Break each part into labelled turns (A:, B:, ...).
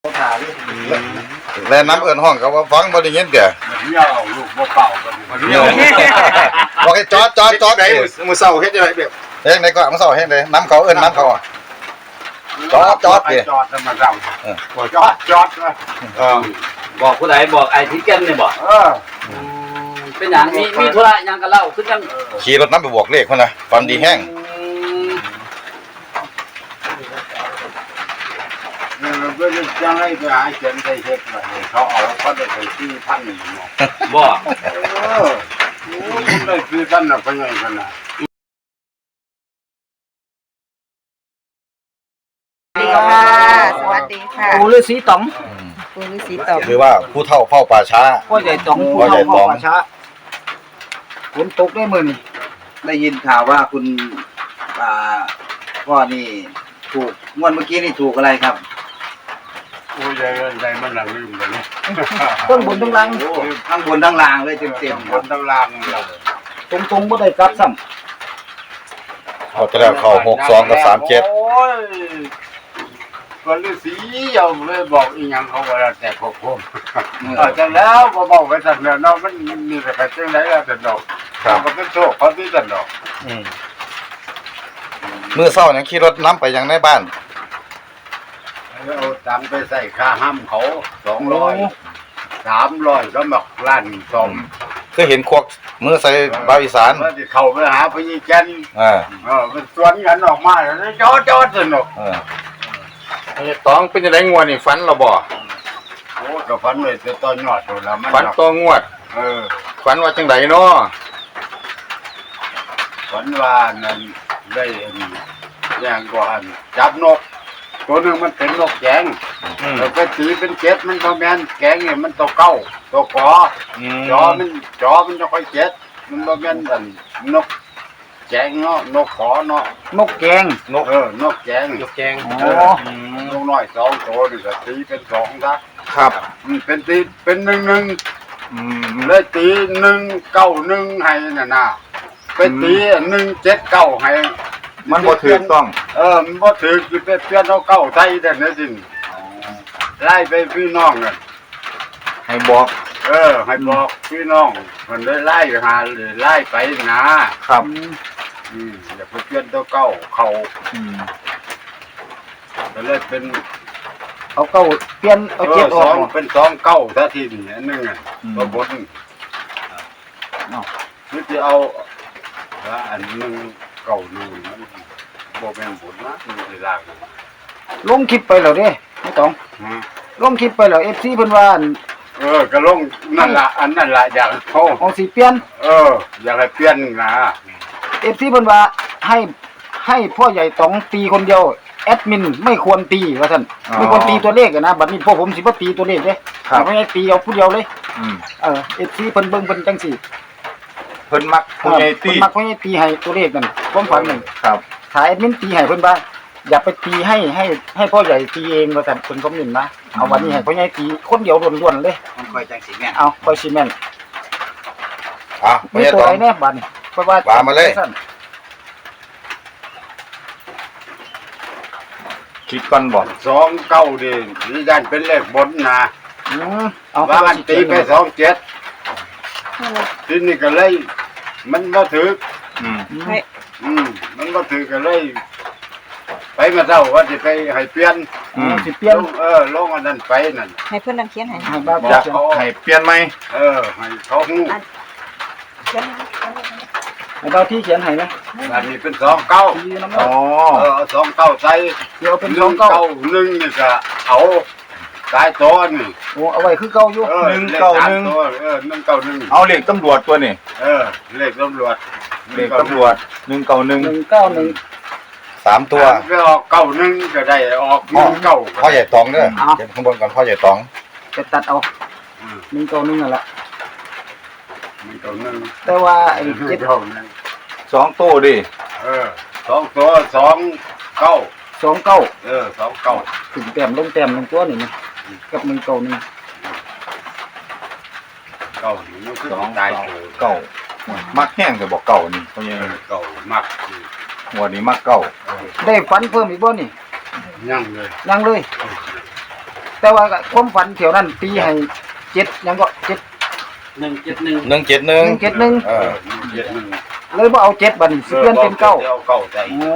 A: แล้วน้ำเอิ้นห้องเขาว่าฟังบ่ได้ยินเด้อ
B: เหี่ยวลูกบ่เป่ากันเหี่ยว
A: บอกให้จอด
B: ไหนมื้อเช้าเฮ็ดจังได๋แบบ
A: เฮ็ดไหนก็มื้อเช้าเฮ็ดได้น้ำเขาเอิ้นน้ำเขาอ่ะจอด
B: จอดมาเช้าบ่จอด
C: บอกผู้ใดบอกไอ้ที่แก่นนี่บอกเป็นหยังมีธุระหยังกันเล่าคือจัง
A: ขี่รถน้ำไปบวกเลขพุ่นน่ะฟันดีแห้ง
B: เพื่อนจังได๋ไปหาเขียนได้เฮ็ดว่าเขาเอาเขาได้ไปซื้อพันนี่เนาะ
C: บ่
B: ได้ซื้อพันน่ะไปไงกันน่ะ
D: สวัสดีค่ะ
C: ปู่ฤาษีต๋อง
D: ปู่ฤาษีต๋อง
A: คือว่าผู้เฒ่าเฝ้าป่าช้า
C: พ่อใหญ่ต๋องผู้เฒ่าเฝ้าป่าช้าฝนตกได้มื้อนี้
E: ได้ยินข่าวว่าคุณพ่อนี่ถูกงวดเมื่อกี้นี่ถูกอะไรครับ
B: โอ้ยได้มันละลืมเลยนี่
C: ทั้งบนทั้งล่าง
E: ทั้งบนทั้งล่างเลยเต็ม
B: บนทั้งล่างล่ะ
C: ตรงบ่ได้กลับซ้ำ
A: เขาจะแล้วเข้า62กับ37
B: โอ้ยคนฤาษียอมเลยบอกอีหยังเขาว่าแต่พวกผมจังแล้วบ่บอกไว้ซั่นเนาะมันมีแต่จังได๋ล่ะแต่ดอกก็เป็นโชคเขาที่ซั่นดอก
A: มื้อเช้ายังขี่รถน้ำไปยังในบ้าน
B: เอาตังไปใส่ค่าห้ำเขา200 300ก็มักล้านซ่อม
A: คือเห็นควักมือใส่บาวอีสาน
B: ว่าสิเข้าไปหาพี่แก่นมันสวนกันออกมาแล้วจอดสนุก
F: ตองเป็นจังได๋งวดนี่ฝันเราบ่
B: โอ้ก็ฝันเลยแต่ตอนยอดโดนแล้วมัน
F: ฝันต่องวดฝันว่าจังไดเนาะ
B: ฝันว่านั่นได้อย่างก่อนจับนกตัวนึงมันเป็นนกแกงแล้วก็ตีเป็น7มันบ่แม่นแกงนี่มันตัวเก้าตัวขอจอมันจะค่อย7มันบ่แม่นอันนกแกงเนาะนกขอเนาะ
C: นกแกง
B: นกนกแกง
F: นกแกง
B: นกน้อย2ตัวนี่ก็ตีเป็น2ซะ
F: ครับ
B: เป็นตีเป็น1เลยตี191ให้น่ะนะไปตี179ให้
F: มันบ่ถูกต้อง
B: มันบ่ถูกสิไปเปลี่ยนเอาเก้าใส่แต่นั่นจริงไล่ไปพี่น้องน่ะ
F: ให้บอก
B: ให้บอกพี่น้องมันได้ไล่หาเลยไล่ไปนะครับอย่าไปเปลี่ยนตัวเก้าเขาก็เลยเป็น
C: เอาเก้าเปลี่ยนเอาเจ็ดออก
B: เป็น2เก้าซะทีนี้อันนึงอ่ะตัวบนนี่จะเอาอันนึงเก้านึงมันบ่แม่นบุญนะมันสิลาก
C: ลงคลิปไปแล้วเด้ไม่ต้องลงคลิปไปแล้ว FC เพิ่นว่า
B: ก็ลงนั่นล่ะอันนั่นล่ะอยาก
C: เอาสิเปลี่ยน
B: อยากให้เปลี่ยนนะ
C: FC เพิ่นว่าให้พ่อใหญ่ต๋องตีคนเดียวแอดมินไม่ควรตีว่าซั่นไม่ควรตีตัวเลขนะบัดนี้พวกผมสิบ่ตีตัวเลขเด้ไม่ให้ตีเอาผู้เดียวเลยFC เพิ่นเบิ่งเพิ่นจังซี่
F: เพิ่นมักผู้ใหญ่ตี
C: มักผู้ใหญ่ตีให้ตัวเลขนั่นความฝันนึง
F: ครับ
C: ถ้าแอดมินตีให้เพิ่นว่าอย่าไปตีให้พ่อใหญ่ตีเองว่าซั่นเพิ่นคอมเมนต์นะเอาวันนี้ให้พ่อใหญ่ตีคนเดียวล้วนๆเลย
E: มันค่อยจังสิแม่น
C: เอาค่อยสิแม่น
A: มี
C: ตัวไหนแน่บัดนี้เพราะว่า
A: มาเลย
F: คิดก่อนบ่
B: 2 9ดินี่ด้านเป็นเลขบนนะว่ามันตีไป27ทีนี้ก็เลยมันบ่ถูกมันบ่ถูกก็เลยไปมาเจ้าว่าสิไปให้เปลี่ยน
C: สิเปลี่ยน
B: ลงอันนั้นไปนั่น
D: ให้เพิ่นนำเขียนให้
F: อยากให้เปลี่ยนไหม
B: ให้เขาฮู้
C: ให้เราที่เขียนให้นะ
B: อันนี้เป็น2 92 9ใส่
C: เดี๋ยวเป็น2 9
B: 1นี่ก็เอาสายตัวนี่
C: เอาไว้คือเก่าอยู่
B: 191 191
F: เอาเลขตำรวจตัวนี่
B: เลขตำรวจ
F: 191
A: 3ตัว
B: ไปออก91ก็ได้ออก19
A: พ่อใหญ่ตองเด้อเก็บข้างบนก่อนพ่อใหญ่ตอง
C: จะตัดเอา191นั่นล่ะ
B: 191
C: แต่ว่าไอ้
F: 2ตัวดิ
B: 2ตัว29 29
C: ถึงแต้มลงแต้ม1ตัวนี่นะกับ191
B: เก้านี่มันคือตาย
F: เก้ามักแห้งก็บอกเก้านี่เพราะยัง
B: เก้ามัก
F: หัวนี้มักเก้า
C: ได้ฝันเพิ่มอีกบ่นี่
B: ยังเลย
C: แต่แต่ว่าความฝันเที่ยวนั้นตีให้7ยังก็7
F: 171
C: 171
A: เออ
C: เลยบ่เอา7บัดนี้สิเปลี่ยนเป็น9
B: เก้าใจ
C: อ๋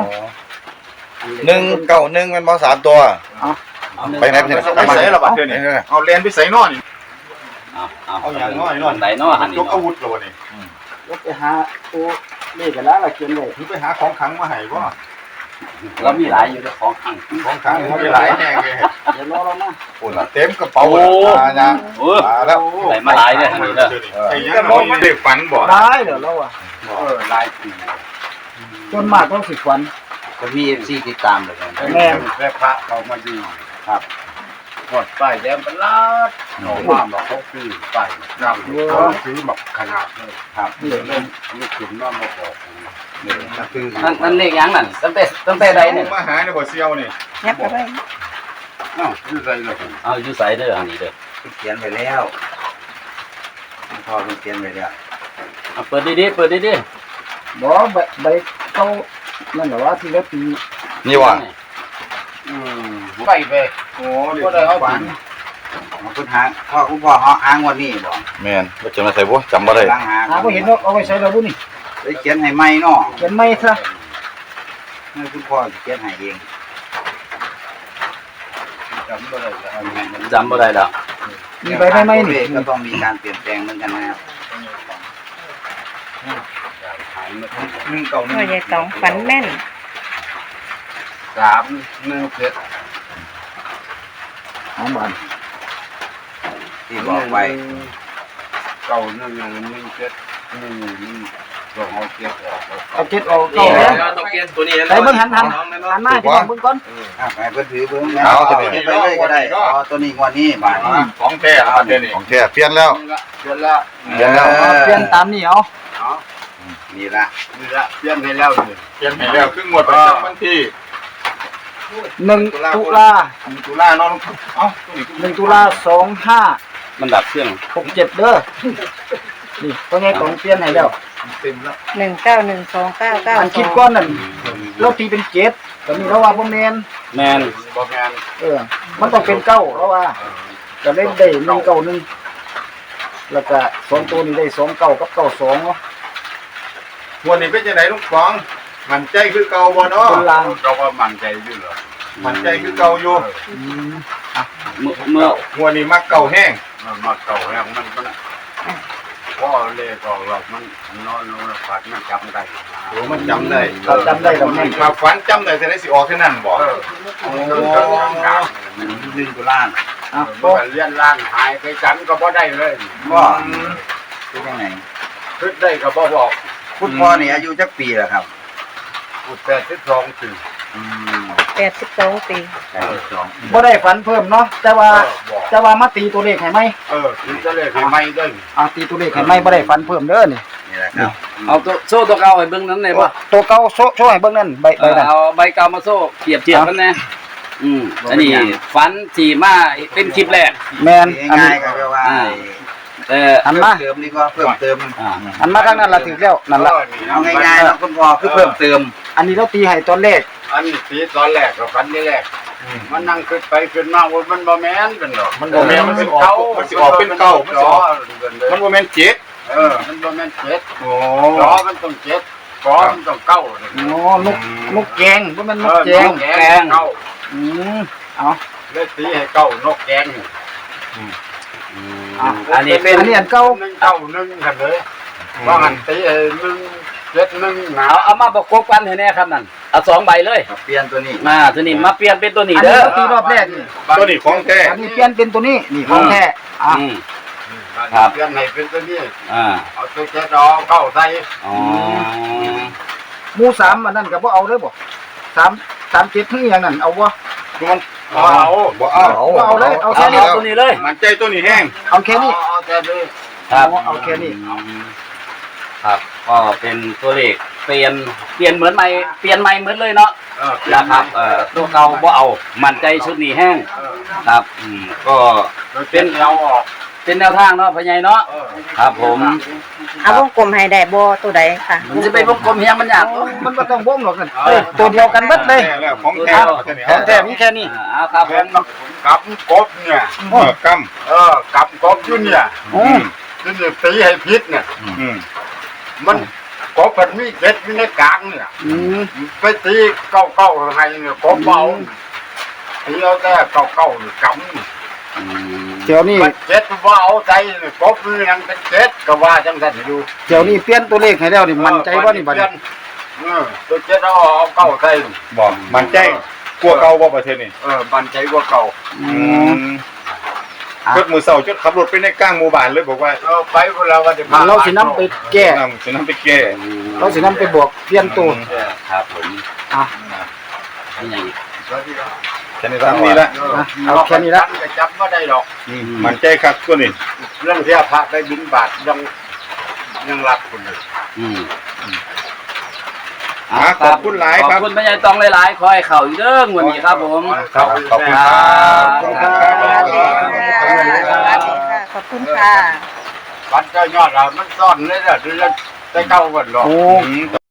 C: อ
A: 191มันบ่3ตัว ไปไหนไปไหน
F: ไปใส่ละบัดเดี๋ยวนี้เอาเรียนไปใส่นอนนี่
B: เอาอย่างน้อยนอน
G: ไหนเนาะหัน
F: ย
G: นี่
F: กอาวุธแล้ววะนี่
C: แล้วไปหาตัวเลขกันแล้วล่ะเขียนไว้
F: ถือไปหาของขังมาให้บ่
G: เรามีหลายอยู่ในของขัง
F: ของขังมันมีหลายแห่งเลย
C: เดี๋ยวรอเรามา
A: ปุ่นละเต็มกระเป๋านะ
G: โอ้
A: มาแล้ว
G: ไหนมาหลายเนี่ยหันนี่เด้อ
F: ไอ้ยังมันเด็กฝันบ่
C: ได้เดี๋ยวเราอ่ะ
B: ลายปี
C: จนมากต้องสิฝัน
E: ก็มี FC ติดตามเลยนะ
C: แม่
B: แค่พระเขามาดีครับหมดป้ายแดงเป็นลาดหนอมาบอกเขาคือป้ายนำเขาซื้อแบบขนาดเลยครับเล่นนี่ขึ้นมาบอกนี่คือ
G: นั่นเลขยังนั่นตั้งแต่ใดเนี่ย
F: มาหาเนี่ยบ่เซียวนี่
D: ยับไปไว้
B: อ้าวคืออะไรล่ะ
G: เอาอยู่ใส่เด้อหันนี่เด้อ
E: เขียนไปแล้วพ่อเขียนไปแล้ว
G: เอาเปิดดีๆเปิดดี
C: บ่ใบเขานั่นแหละว่าที่แล้วปี
A: นี่ว่ะ
B: ไปไป
F: โอ้เดี๋ยวได้เอาฝัน
E: คุณหาคุณพ่อหางวันนี้บ่
A: แม่นบ่จะมาใส่บ่จำบ่ได้
E: ล้างหา
C: หาบ่เห็นเอาไว้ใส่เราบุนี่
E: เลยเขียนให้ใหม่เนาะ
C: เขียนไม่ซะ
E: ให้คุณพ่อเขียนให้เอง
B: จำไม่ได้แล้ว
G: ๆจำบ่ได้ดอก
C: มีใบไม้ไหมนี่
E: ก็ต้องมีการเปลี่ยนแปลงเหมือนกันนะครับ
B: หายมา
D: พ่อใหญ่ตองฝันแม่น
B: 317
C: เอาบาน
E: ที่บอกไว้
B: เก่า117นี่ต้องเอาเก็บออก
C: เอา7เอาเก้าแล้ว
G: ต้องเปลี่ยนตัวนี้
C: ใส่เบิ่งหันมาที่เบิ่งก่อน
E: ให้เพิ่นถือเบิ่งแล้วไปเลยก็ได้อ๋อตัวนี้งวดนี้บาทนี้
F: ของแท้ครับเดี๋ยวนี้
A: ของแท้เปลี่ยนแล้ว
B: เปลี่ยนแล้ว
A: เปลี่ยนแล้ว
C: เปลี่ยนตามนี้เอา
E: นี่ละ
B: นี่ละเปลี่ยนให้แล้วนี่
F: เปลี่ยนให้แล้วครึ่งงวดประจำวันที่
C: 1 ตุลา
F: ตุลาเนาะเอ้าตัวนี้
C: 1 ตุลา2567
G: มันดับเครื่อง
C: เด้อนี่พ่อใหญ่ตองเปลี่ยนให้แล้ว
F: เต็มแล้ว
D: 1912999
C: อันคิดก้อนนั่นเราตีเป็น7ตอนนี้เราว่าบ่แม่น
G: แมน
B: บ่แม่น
C: มันต้องเป็น9เราว่าก็ได้191แล้วก็2ตัวนี้ได้29กับ92เนาะ
F: งวดนี้เป็นจังไดลุงฟองมันใจคือเก่าบ่เนาะ
C: บนราง
B: เราว่ามั่นใจอยู่เหรอ
F: มันใจคือเก่าอยู่
G: เมื่อ
F: งวดนี้มักเก่าแห้ง
B: มันมาเก่าแล้วมันพ่อเลยก็เรามันนอนฝันมันจำได้
F: โอ้มันจำได้
C: เราจำได้ดอกแม่น
F: มาฝันจำได้แต่ได้สิออกแค่นั้นบ่
E: 1 ตุลา
C: อ่ะ
B: บ่เลี้ยนล่างหายไปกันก็บ่ได้เลย
E: ก็เป็นยังไง
B: คิดได้ก็บ่บอก
E: คุณพ่อนี่อายุจักปีแล้วครับ
B: พูด82ปี
D: 82 ปี
C: บ่ได้ฝันเพิ่มเนาะแต่ว่ามาตีตัวเลขให้ไหม
B: คือจะเลยให้ไม่ได้
C: ตีตัวเลขให้ไหมบ่ได้ฝันเพิ่มเด้อนี่
E: นี่แหละครับ
G: เอาตัวโซ่ตัวเก่าให้เบิ่งนั้นได้บ่
C: ตัวเก่าโชว์ให้เบิ่งนั่นใบนั่น
G: เอาใบเก่ามาโซ่เทียบกันแน่อันนี้ฝันที่มาเป็นคลิปแรก
C: แม่นอัน
E: ง่า
C: นี้
E: ยๆก็แปลว่า
G: แต่
C: อันมา
E: เติมนี่ก็เพิ่มเติม
C: อันมาทางนั้นล่ะถึกแล้วนั่นล่ะ
E: เอาง่ายๆนะคุณพ่อคือเพิ่มเติม
C: อันนี้เราตีให้ตอนแรก
B: อันนี้สีตอนแรกกับฟันนี่แรกมันนั่งขึ้นไปขึ้นมาว่ามันบ่แม่นเป็นหรอก
F: มันบ่แม่นมันสิออกเป็นเก่ามันสิออกมันบ่แม่นเจ็ด
B: มันบ่แม่นเจ็ด
F: โอ้
B: ล้อมันต้องเจ็ดล้อมันต้องเก้าเลย
C: อ๋อนกแกงบ่แม่นนกแกง
B: แกงเก้า
C: เอา
B: เลยตีให้เก้านกแกง
G: อันนี้เป็น
C: อันนี้อันเก่า
B: 1 9 1กันเลยว่าหันตี1 7 1หนาว
G: เอามาประกบกันให้แน่ครับนั่นเอา2ใบเลย
E: เปลี่ยนตัวนี้
G: มาตัวนี้มาเปลี่ยนเป็นตัวนี้
C: อัน
G: เด้
C: นี้
G: อ
C: เราตีรอบแรกนี่
F: ตัวนี้ของแท้
C: อันนี้เปลี่ยนเป็นตัวนี้นี่ของแท้
B: เปลี่ยนให้เป็นตัวนี้
G: อ่า
B: เอาตัวเจ็ดเอาเก้าใส่
G: อ๋อ
C: หมู่3อันนั้นก็บ่เอาเด้อบ่337คืออย่างนั้นเอาบ่
F: มันเอาบ่เอา
C: บ่เอาเลยเอา
G: เอา
C: แค่นี้
G: ตัวนี้เลย
F: มันใจตัวนี้แห้ง
C: เอาแค่นี้
B: เอาแค่นี้
G: ครับ
C: เอาแค่นี้
G: ครับก็เป็นตัวเลขเปลี่ยนเหมือนใหม่เปลี่ยนใหม่เหมือนเลยเนาะนะครับตัวเก่าบ่เอามั่นใจชุดนี้แห้งครับก็
B: เป็นเราออก
G: เป็นแนวทางเนาะพ่อใหญ่เนาะครับผม
D: เอาวงกลมให้ได้บ่ตัวใดค่ะ
G: มันจะไปวงกลมเฮียงมันยาก
C: มันบ่ต้องวงหรอกนั่นตัวเดียวกันเบิดเลย
F: แล้วของแท้
C: ของแท้มีแค่นี้
G: ครับผ
B: เป็น
G: ม
B: กับกบเนี่ย
F: ก
B: กับกบอยู่เนี่ย
C: อืม
B: นี่ตีให้พิษเนี่ย
F: ำอืม
B: มันกบมันมีเจ็ดอยู่ในกลางเนี่ย
C: อืม
B: ไปตีเก้าให้เนี่ยกบเบาตีเอาแต่เก้านี่กำนี่
C: เดี๋ยวนี้
B: มันเจ็ดว่าเอาใจเนี่ยกบมันยังเป็นเจ็ดก็ว่าจังสันให้ดู
C: เดี๋ยวนี้เปลี่ยนตัวเลขให้แล้วนี่มั่นใจบ่นี่บัดนี้
B: ตัวเจ็ดเอาเก้าใส่
F: บอกมันใจกลัวเก่าบ่ประเทศนี่
B: มันใจกว่าเก่า
F: จดมือเสาจดขับรถไปในกลางหมู่บ้านเลยบอกว่า
B: ไปเวลาวันที่
C: เราสินำไปแก้
F: จะนำไปแก้
C: เราสินำไปบวกเปลี่ยนตัว
G: ครับผม
C: อ่ะ
G: นี่ไง
F: แค่นี้ละนี่ละ
C: เอาแค่นี้ละ
B: จะจำไม่ได้หรอก
F: มันใจครับตัวนี้
B: เรื่องที่พระไปบิณฑบาตยังรักคนเลย
F: ขอบคุณหลาย
G: ข
F: ค
G: อ
F: รั
G: บบ คุณพ่อใหญ่ตองหลายๆคอยเข่าอีกเด้อวันนี้ครับผม
F: ครับขอบคุณครับ
C: ขอบคุณครับ
D: ขอบคุณค่ะ
B: วัดเจ้ายอดเรามันซ่อนเลยนะดูจะได้เข้ากันหรอก
C: โอ้
F: อืม